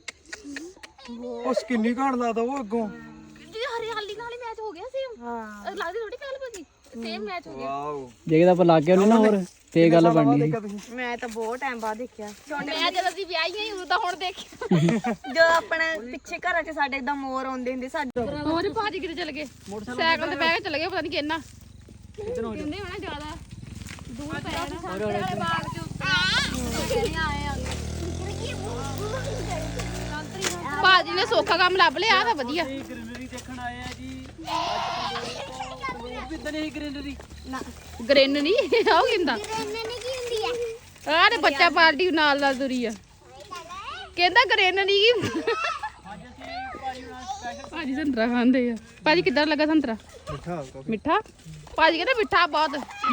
[SPEAKER 2] ਉਹ ਸਕਿੰਨੀ ਘਾਣ ਲਾਦਾ ਉਹ ਅੱਗੋਂ
[SPEAKER 1] ਜੀ ਹਰਿਆਲੀ ਨਾਲ ਹੀ ਮੈਚ ਹੋ ਗਿਆ ਸੇਮ ਹਾਂ ਲੱਗਦੀ ਥੋੜੀ ਪਹਿਲ ਭਾਜੀ ਸੇਮ ਮੈਚ ਹੋ ਗਿਆ
[SPEAKER 2] ਵਾਓ
[SPEAKER 4] ਜੇ ਆਪਾਂ ਲੱਗ ਗਿਆ ਉਹਨੇ ਨਾ ਹੋਰ ਤੇ ਗੱਲ ਬਣਨੀ
[SPEAKER 3] ਮੈਂ ਤਾਂ ਬਹੁਤ ਟਾਈਮ ਬਾਅਦ ਦੇਖਿਆ
[SPEAKER 1] ਮੈਂ ਜਦੋਂ ਦੀ ਵਿਆਹੀ ਆਈ ਉਦੋਂ ਤਾਂ ਹੁਣ ਦੇਖਿਆ
[SPEAKER 3] ਜੋ ਆਪਣੇ ਪਿੱਛੇ ਘਰਾਂ 'ਚ ਸਾਡੇ ਇਦਾਂ ਮੋਰ ਆਉਂਦੇ ਹੁੰਦੇ ਸਾਡੇ
[SPEAKER 1] ਹੋਰ ਭਾਜੀ ਕਿਤੇ ਚਲੇ ਗਏ ਸਾਈਕਲ ਤੇ ਬਹਿ ਕੇ ਚਲੇ ਗਏ ਪਤਾ ਨਹੀਂ ਕਿੰਨਾ ਕਹਿੰਦੇ ਹੋਣਾ ਜ਼ਿਆਦਾ ਦੂਰ ਪੈ ਜਾਣਾ ਬਾਗ ਚ ਭਾਜੀ ਨੇ ਸੌਖਾ ਕੰਮ ਲੱਭ ਲਿਆ ਤਾਂ ਵਧੀਆ
[SPEAKER 4] ਗ੍ਰੀਨਰੀ ਦੇਖਣ ਆਏ ਆ ਜੀ ਵੀ ਇਦਾਂ ਨਹੀਂ ਗ੍ਰੀਨਰੀ
[SPEAKER 1] ਗ੍ਰੇਨ ਨਹੀਂ ਆਉ ਕਿੰਦਾ ਆਹ ਤੇ ਬੱਚਾ ਪਾਰਟੀ ਨਾਲ ਨਾਲ ਤੁਰੀ ਆ ਕਹਿੰਦਾ ਗ੍ਰੇਨ ਨਹੀਂ ਕੀ ਭਾਜੀ ਸੰਤਰਾ ਖਾਂਦੇ ਆ ਭਾਜੀ ਕਿੱਦਾਂ ਲੱਗਾ ਸੰਤਰਾ ਮਿੱਠਾ ਭਾਜੀ ਕਹਿੰਦਾ ਮਿੱਠਾ ਬਹੁਤ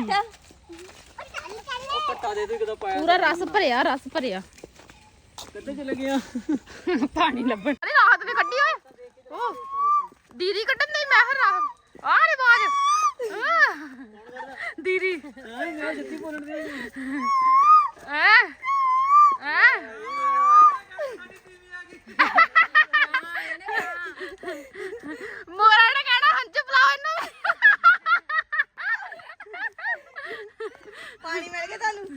[SPEAKER 4] ਪੱਟਾ ਦੇ ਦੇ ਕਿਦੋਂ ਪਾਇਆ
[SPEAKER 1] ਪੂਰਾ ਰਸ ਭਰਿਆ
[SPEAKER 4] ਕਿੱਥੇ ਚਲੇ ਗਿਆ
[SPEAKER 1] ਪਾਣੀ ਲੱਭਣ ਅਰੇ ਰਾਤ ਵੀ ਕੱਢੀ ਓਏ ਉਹ ਦੀਦੀ ਕੱਢਣ ਨਹੀਂ ਮੈਂ ਫਿਰ ਰਾਤ ਆ ਰੇ ਬਾਜ ਦੀਦੀ
[SPEAKER 4] ਮੈਂ ਜੱਤੀ ਬੋਲਣ ਦੇ
[SPEAKER 1] ਮੋਰਾ ਨੇ ਕਹਿਣਾ ਹੰਝ ਬੁਲਾਓ ਇਹਨੂੰ
[SPEAKER 3] ਪਾਣੀ ਮਿਲ ਗਿਆ ਤੁਹਾਨੂੰ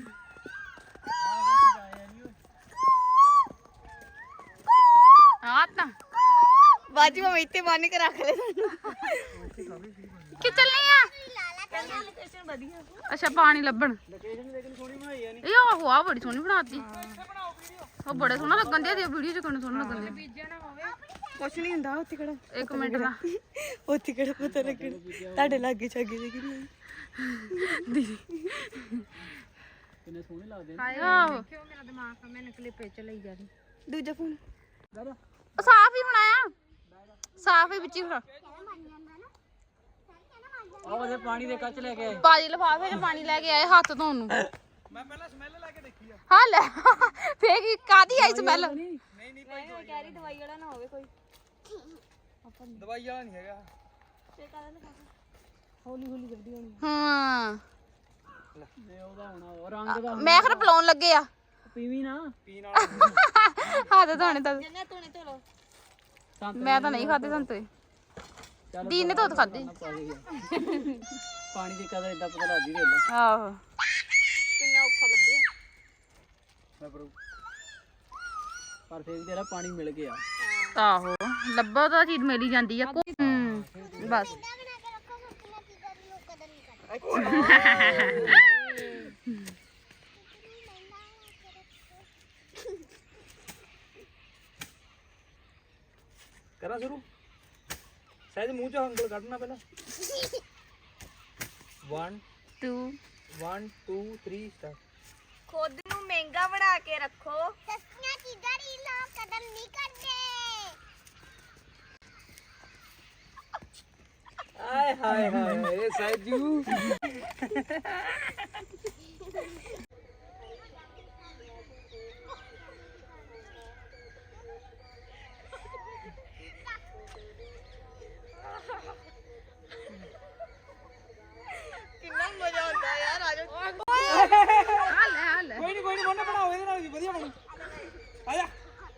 [SPEAKER 1] ਆ ਤਾਂ
[SPEAKER 3] ਬਾਜੀ ਮੈਂ ਇੱਥੇ ਬੰਨ ਕੇ ਰੱਖ ਲੈ ਤੁਹਾਨੂੰ
[SPEAKER 1] ਕਿ ਚੱਲਨੀ ਆ
[SPEAKER 3] ਕਹਿੰਦਾ ਲੋਕੇਸ਼ਨ ਵਧੀਆ
[SPEAKER 1] ਅੱਛਾ ਪਾਣੀ ਲੱਭਣ
[SPEAKER 4] ਲੋਕੇਸ਼ਨ ਲੇਕਿਨ ਸੋਹਣੀ ਬਣਾਈ ਆ
[SPEAKER 1] ਇਹ ਆਹੋ ਆ ਬੜੀ ਸੋਹਣੀ ਬਣਾਤੀ ਉਹ ਬੜੇ ਸੋਹਣਾ ਲੱਗਣ ਦਿਆ ਵੀਡੀਓ ਚ ਕਿੰਨਾ ਸੋਹਣਾ ਲੱਗਣ ਦਿਆ
[SPEAKER 3] ਕੁਛ ਨਹੀਂ ਹੁੰਦਾ ਉੱਥੇ ਕਿਹੜਾ
[SPEAKER 1] ਇੱਕ ਮਿੰਟ ਦਾ
[SPEAKER 3] ਉੱਥੇ ਕਿਹੜਾ ਪਤਾ ਲੱਗਣਾ ਤੁਹਾਡੇ ਲਾਗੇ ਛਾਗੇ ਦੇ ਕਿੰਨੇ
[SPEAKER 1] ਦੀਦੀ
[SPEAKER 4] ਕਿੰਨੇ ਸੋਹਣੇ ਲੱਗਦੇ
[SPEAKER 1] ਆਹੋ
[SPEAKER 3] ਦੂਜਾ ਫੋਨ
[SPEAKER 1] ਉਹ ਸਾਫ ਹੀ ਹੋਣਾ ਆ ਸਾਫ ਹੀ ਵਿੱਚ ਹੀ ਹੋਣਾ
[SPEAKER 4] ਆਹ ਉਹਦੇ ਪਾਣੀ ਦੇ ਕੱਚ ਲੈ ਕੇ ਆਏ
[SPEAKER 1] ਬਾਜੀ ਲਫਾਫੇ 'ਚ ਪਾਣੀ ਲੈ ਕੇ ਆਏ ਹੱਥ ਧੋਣ ਨੂੰ
[SPEAKER 2] ਮੈਂ ਪਹਿਲਾਂ ਸਮੈਲ ਲੈ ਕੇ ਦੇਖੀ ਆ
[SPEAKER 1] ਹਾਂ ਲੈ ਫੇਰ ਕੀ ਕਾਦੀ ਆਈ ਸਮੈਲ
[SPEAKER 2] ਨਹੀਂ ਭਾਈ
[SPEAKER 3] ਕਹਿ ਰਹੀ ਦਵਾਈ ਵਾਲਾ ਨਾ ਹੋਵੇ ਕੋਈ
[SPEAKER 2] ਦਵਾਈ ਵਾਲਾ ਨਹੀਂ ਹੈਗਾ
[SPEAKER 1] ਹਾਂ
[SPEAKER 4] ਤੇ ਉਹਦਾ ਹੋਣਾ ਉਹ ਰੰਗ ਦਾ
[SPEAKER 1] ਮੈਂ ਖਰ ਬਲਾਉਣ ਲੱਗੇ ਆ
[SPEAKER 4] ਪੀਵੀ ਨਾ
[SPEAKER 2] ਪੀਣ ਵਾਲਾ
[SPEAKER 1] ਹੱਥ ਧੋਣੇ ਤਾਂ
[SPEAKER 3] ਜੰਨੇ ਧੋਣੇ ਧੋ ਲੋ
[SPEAKER 1] ਮੈਂ ਤਾਂ ਨਹੀਂ ਖਾਦੇ ਸੰਤੇ ਦੀਨ ਨੇ ਤਾਂ ਖਾਦੇ
[SPEAKER 4] ਪਾਣੀ ਦੀ ਕਦਰ ਇਦਾਂ ਪਤਾ ਲੱਗਦੀ ਵੇਖ ਲੈ
[SPEAKER 1] ਆਹੋ
[SPEAKER 3] ਕਿੰਨਾ ਔਖਾ ਲੱਭਿਆ
[SPEAKER 4] ਪਰ ਫੇਰ ਵੀ ਤੇਰਾ ਪਾਣੀ ਮਿਲ ਗਿਆ
[SPEAKER 1] ਆਹੋ ਲੱਭਾ ਤਾਂ ਚੀਜ਼ ਮਿਲ ਹੀ ਜਾਂਦੀ ਆ ਬਸ
[SPEAKER 2] ਕਰਾਂ ਸ਼ੁਰੂ ਸਹਿਜ ਮੂੰਹ ਚੋਂ ਉਂਗਲ ਕੱਢਣਾ ਪਹਿਲਾਂ 1
[SPEAKER 1] 2
[SPEAKER 2] 1 2 3 ਸਟਾਰਟ
[SPEAKER 3] ਖੁਦ ਨੂੰ ਮਹਿੰਗਾ ਬਣਾ ਕੇ ਰੱਖੋ ਸਸਤੀਆਂ ਚੀਜ਼ਾਂ ਦੀ ਲੋਕ ਕਦਰ ਨਹੀਂ ਕਰਦੇ
[SPEAKER 2] ਆਏ ਹਾਏ ਹਾਏ ਸਹਿਜੂ
[SPEAKER 3] ਕਿੰਨਾ ਮਜ਼ਾ ਆਉਂਦਾ ਯਾਰ ਆਜੋ
[SPEAKER 2] ਕੋਈ ਨਹੀਂ ਮੋਨਾ ਬਣਾਓ ਇਹਦੇ ਨਾਲ ਵੀ ਵਧੀਆ ਬਣੂ ਆ ਜਾ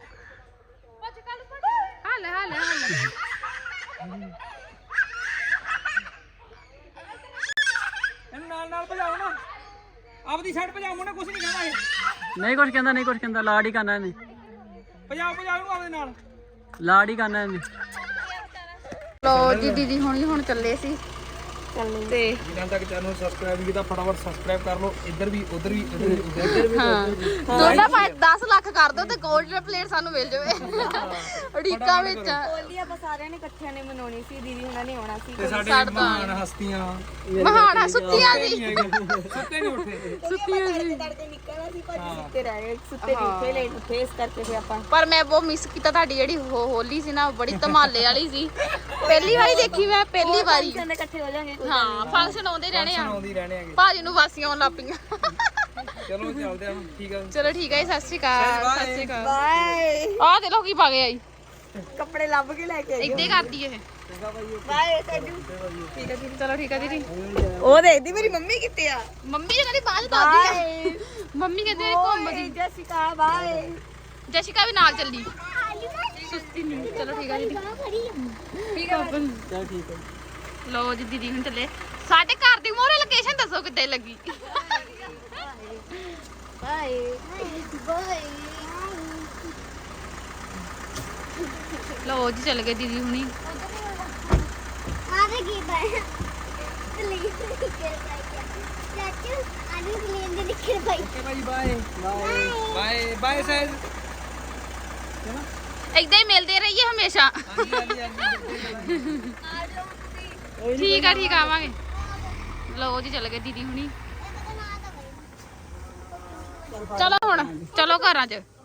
[SPEAKER 2] ਇਹਨੂੰ ਨਾਲ ਭਜਾਓ ਨਾ ਆਪਦੀ ਸਾਈਡ ਭਜਾਓ ਮੋਨਾ ਕੁਝ ਨਹੀਂ ਕਹਿੰਦਾ ਇਹ
[SPEAKER 4] ਨਹੀਂ ਕੁਛ ਕਹਿੰਦਾ, ਨਹੀਂ ਕੁਛ ਕਹਿੰਦਾ, ਲਾਡ ਹੀ ਕਰਨਾ ਇਹਨੇ,
[SPEAKER 2] ਭਜਾਓ ਇਹਨੂੰ ਆਪਦੇ ਨਾਲ
[SPEAKER 4] ਲਾਡ ਹੀ ਕਰਨਾ ਇਹਨੇ।
[SPEAKER 1] ਲੋ ਜੀ ਦੀਦੀ ਹੁਣ ਚੱਲੇ ਸੀ ਤੇ
[SPEAKER 2] ਜਿਨ੍ਹਾਂ ਤੱਕ ਚੈਨਲ ਨੂੰ ਸਬਸਕ੍ਰਾਈਬ ਨਹੀਂ ਕੀਤਾ ਫਟਾਫਟ ਸਬਸਕ੍ਰਾਈਬ ਕਰ ਲਓ ਇੱਧਰ ਵੀ ਉੱਧਰ ਵੀ ਇੱਧਰ ਵੀ
[SPEAKER 1] ਦੋਨਾਂ ਭਾਈ 10 ਲੱਖ ਕਰ ਦੋ ਤੇ 골ਡ ਪਲੇਟ ਸਾਨੂੰ ਮਿਲ ਜਾਵੇ ਅੜੀਕਾ ਵਿੱਚ
[SPEAKER 3] ਹੋਲੀ ਆਪਾਂ ਸਾਰਿਆਂ ਨੇ ਇਕੱਠਿਆਂ ਨੇ ਮਨਾਉਣੀ ਸੀ ਦੀਦੀ ਹੁਣਾਂ ਨੇ ਆਉਣਾ ਸੀ
[SPEAKER 2] ਤੇ ਸਾਡੇ ਮਹਾਨ ਹਸਤੀਆਂ
[SPEAKER 1] ਮਹਾਨਾ ਸੁੱਤੀਆਂ ਸੀ
[SPEAKER 2] ਸੁੱਤੇ ਨਹੀਂ ਉੱਠੇ
[SPEAKER 3] ਤੜਕੇ ਨਿਕਲਣਾ ਸੀ ਭਾਜੀ ਸੁੱਤੇ ਰਹਿ ਗਏ ਸੁੱਤੇ ਨਹੀਂ ਉੱਠੇ ਲੇਟ ਉੱਠੇ ਇਸ ਕਰਕੇ ਫਿਰ ਆਪਾਂ
[SPEAKER 1] ਪਰ ਮੈਂ ਬਹੁਤ ਮਿਸ ਕੀਤਾ ਤੁਹਾਡੀ ਜਿਹੜੀ ਹੋਲੀ ਸੀ ਨਾ ਬੜੀ ਧਮਾਲੇ ਵਾਲੀ ਸੀ ਪਹਿਲੀ ਵਾਰੀ ਦੇਖੀ ਮੈਂ ਪਹਿਲੀ ਵਾਰੀ
[SPEAKER 3] ਸਾਰੇ ਇਕੱਠੇ ਹੋ ਜਾਾਂਗੇ
[SPEAKER 1] ਹਾਂ ਫੰਕਸ਼ਨ ਆਉਂਦੇ ਰਹਿਣੇ ਆ
[SPEAKER 2] ਆਉਂਦੀ ਰਹਿਣੇ ਆਗੇ
[SPEAKER 1] ਭਾਜੀ ਨੂੰ ਵਾਸੀਆਂ ਆਉਣ ਲੱਗ ਪਈਆਂ
[SPEAKER 2] ਚਲੋ ਚੱਲਦੇ ਆ ਠੀਕ ਆ
[SPEAKER 1] ਚਲੋ ਠੀਕ ਹੈ ਜੀ, ਸਤਿ ਸ਼੍ਰੀ ਅਕਾਲ ਸਤਿ ਸ਼੍ਰੀ ਅਕਾਲ
[SPEAKER 3] ਬਾਏ
[SPEAKER 1] ਆਹ ਦੇ ਲੋ ਕੀ ਪਾ ਗਏ ਆਈ
[SPEAKER 3] ਕੱਪੜੇ ਲੱਭ ਕੇ ਲੈ ਕੇ ਆਈ
[SPEAKER 1] ਇੱਦਾਂ ਹੀ ਕਰਦੀ ਇਹ
[SPEAKER 3] ਬਾਏ ਸੈਜੂ
[SPEAKER 1] ਠੀਕ ਹੈ ਦੀਦੀ ਚਲੋ ਠੀਕ ਹੈ ਦੀਦੀ
[SPEAKER 3] ਉਹ ਦੇਖਦੀ ਮੇਰੀ ਮੰਮੀ ਕਿੱਥੇ ਆ
[SPEAKER 1] ਮੰਮੀ ਜੀ ਕਹਿੰਦੀ ਬਾਅਦ ਦੱਸਦੀ ਆ ਮੰਮੀ ਕਹਿੰਦੇ ਘੁੰਮ ਗਈ
[SPEAKER 3] ਜੈਸਿਕਾ ਬਾਏ
[SPEAKER 1] ਜੈਸਿਕਾ ਵੀ ਨਾਲ ਚੱਲੀ ਸੁਸਤੀ ਨਹੀਂ ਚਲੋ ਠੀਕ ਹੈ ਦੀਦੀ ਠੀਕ ਹੈ
[SPEAKER 4] ਚੱਲ ਠੀਕ ਹੈ।
[SPEAKER 1] ਲੋ ਜੀ ਦੀਦੀ ਹੁਣ ਚੱਲੇ ਸਾਡੇ ਘਰ ਦੀ ਮੋਰੇ ਲੋਕੇਸ਼ਨ ਦੱਸੋ ਕਿੱਥੇ ਲੱਗੀ
[SPEAKER 3] ਬਾਏ ਬਾਏ
[SPEAKER 1] ਲੋ ਜੀ ਚੱਲ ਗਏ ਦੀਦੀ ਹੁਣੀ
[SPEAKER 7] ਆਦੇ ਕੀ ਬਾਏ ਪਲੀਜ਼ ਚਾਚੂ ਆਦੇ ਕਲੀਨ ਦੇ ਨਿਕਲ ਭਾਈ
[SPEAKER 2] ਓਕੇ ਭਾਈ ਬਾਏ ਬਾਏ ਬਾਏ ਸਹਿਜ
[SPEAKER 1] ਏਦਾਂ ਹੀ ਮਿਲਦੇ ਰਹੀਏ ਹਮੇਸ਼ਾ ਠੀਕ ਆ ਆਵਾਂਗੇ ਲੋ ਜੀ ਚੱਲ ਗਏ ਦੀਦੀ ਹੁਣੀ ਚਲੋ ਹੁਣ ਚਲੋ ਘਰਾਂ 'ਚ